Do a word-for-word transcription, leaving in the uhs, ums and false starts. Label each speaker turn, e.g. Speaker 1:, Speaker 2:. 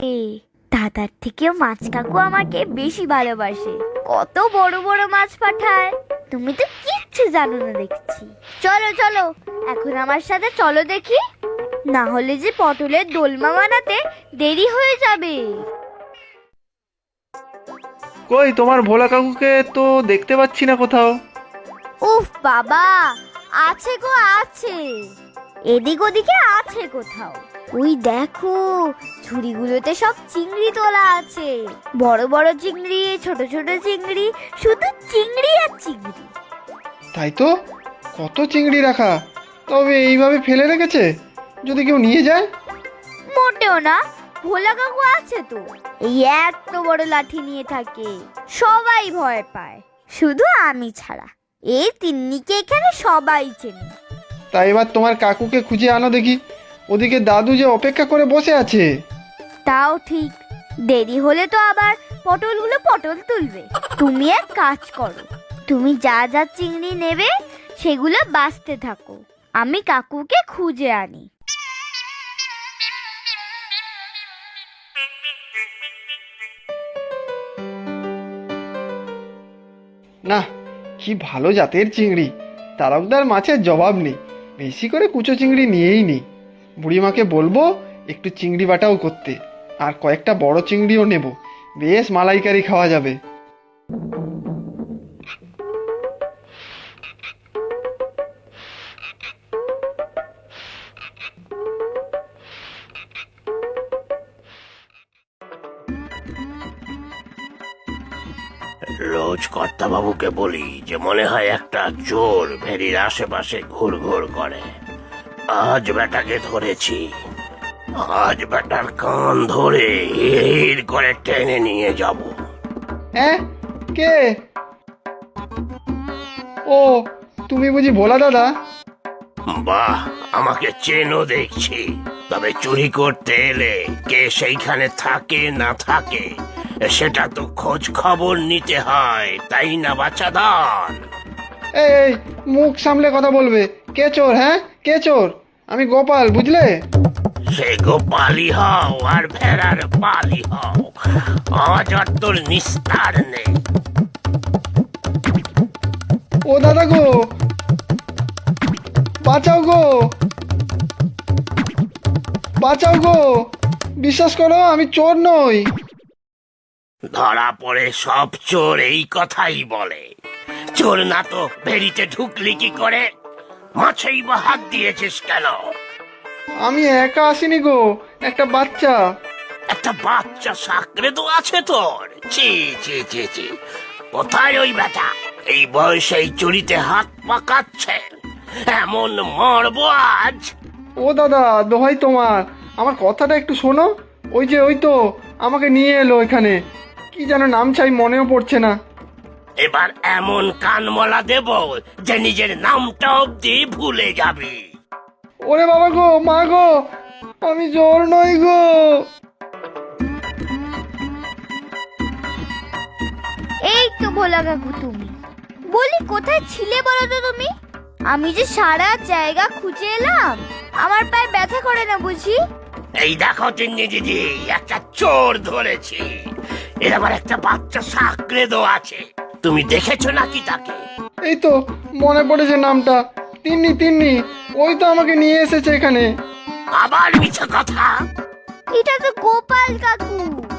Speaker 1: এ দাদার থেকেও মাছ কাকু আমাকে বেশি ভালোবাসে। কত বড় বড় মাছ পাঠায়। তুমি তো কিচ্ছু জানো না দেখছি। চলো চলো এখন আমার সাথে চলো দেখি, না হলে যে পটলের দোলমা বানাতে দেরি হয়ে যাবে।
Speaker 2: কই তোমার ভোলা কাকুকে তো দেখতে পাচ্ছি না কোথাও।
Speaker 1: উফ বাবা, আছে গো আছে, এদিক ওদিকে আছে কোথাও। ওই দেখো ঝুড়িগুলোতে সব চিংড়ি তোলা আছে, বড় বড় চিংড়ি, ছোট ছোট চিংড়ি, শুধু চিংড়ি আর চিংড়ি।
Speaker 2: তাই তো, কত চিংড়ি রাখা। তবে এইভাবে ফেলে রেখেছে, যদি কেউ নিয়ে যায়।
Speaker 1: মোটেও না, ভোলা কাকু আছে তো, এই এত বড় লাঠি নিয়ে থাকে, সবাই ভয় পায়, শুধু আমি ছাড়া। এই তিন্নিকে এখানে সবাই চেনে।
Speaker 2: তাই এবার তোমার কাকুকে খুঁজে আনো দেখি, ওদিকে দাদু যে অপেক্ষা করে বসে আছে।
Speaker 1: তাও ঠিক, দেরি হলে তো আবার পটলগুলো পটল তুলবে। তুমি এক কাজ করো, তুমি যা যা চিংড়ি নেবে সেগুলো বাছতে থাকো, আমি কাকুকে খুঁজে আনি।
Speaker 2: না, কি ভালো জাতের চিংড়ি, তারকদার মাছের জবাব নেই। বেশি করে কুচো চিংড়ি নিয়েই নি। বুড়িমাকে বলবো একটু চিংড়ি বাটাও করতে, আর কয়েকটা বড় চিংড়িও নেব, বেশ মালাইকারি খাওয়া যাবে।
Speaker 3: রোজ কর্তাবাবুকে বলি যে মনে হয় একটা চোর ভেরির আশেপাশে ঘুর ঘুর করে। আজ বেটাকে ধরেছি, আজ বেটার কান ধরে হির করে টেনে নিয়ে যাব।
Speaker 2: হ্যাঁ, কে? ও, তুমি বুঝি ভোলা দাদা?
Speaker 3: বাহ, আমাকে চেনো দেখছি। তবে চুরি করতে এলে কে সেইখানে থাকে না থাকে সেটা তো খোঁজ খবর নিতে হয়, তাই না বাচ্চাদান?
Speaker 2: এই এই, মুখ সামলে কথা বলবে। কে চোর? হ্যাঁ, কে চোর? আমি গোপাল, বুঝলে?
Speaker 3: সে গোপালি হও আর ভেড়ার পালি হও, আজ আর তোর নিস্তার নেই।
Speaker 2: ও দাদা গো, বাঁচাও গো, বাঁচাও গো, বিশ্বাস করো আমি চোর নই।
Speaker 3: ধরা পড়ে সব চোর এই কথাই বলে। চোর না তো ভেড়িতে ঢুকলি কি করে? মাছেই বা হাত দিয়েছিস কেন?
Speaker 2: আমি একা আসিনি গো, একটা বাচ্চা।
Speaker 3: একটা বাচ্চা সাকরে তো আছে তোর? ছি ছি ছি ছি, কোথায় ওই বেটা? এই বয়সে এই চুরিতে হাত পাকাচ্ছে, এমন মরবো আজ।
Speaker 2: ও দাদা, দোহাই তোমার, আমার কথাটা একটু শোনো। ওই যে ওই তো আমাকে নিয়ে এলো এখানে, কি যেন নাম চাই মনেও পড়ছে না।
Speaker 3: এবার এমন কানমলা দেব যে নিজের নামটা অব্দি ভুলে যাবি।
Speaker 2: ওরে বাবা গো, মা গো, আমি চোর নই গো।
Speaker 1: এই তো ভোলা কাকু, তুমি বলি কোথায় ছিলে বলো তো তুমি? আমি যে সারা জায়গা খুঁজে এলাম, আমার পায়ে ব্যথা করে না বুঝি?
Speaker 3: এই দেখো তিন্নি দিদি, একটা চোর ধরেছি। এর আবার একটা বাচ্চা সাকরে দো আছে, তুমি দেখেছো নাকি তাকে?
Speaker 2: এই তো মনে পড়েছে নামটা, তিন্নি তিন্নি, ওই তো আমাকে নিয়ে এসেছে এখানে।
Speaker 3: আবার মিছে কথা।
Speaker 1: এটা তো গোপাল কাকু।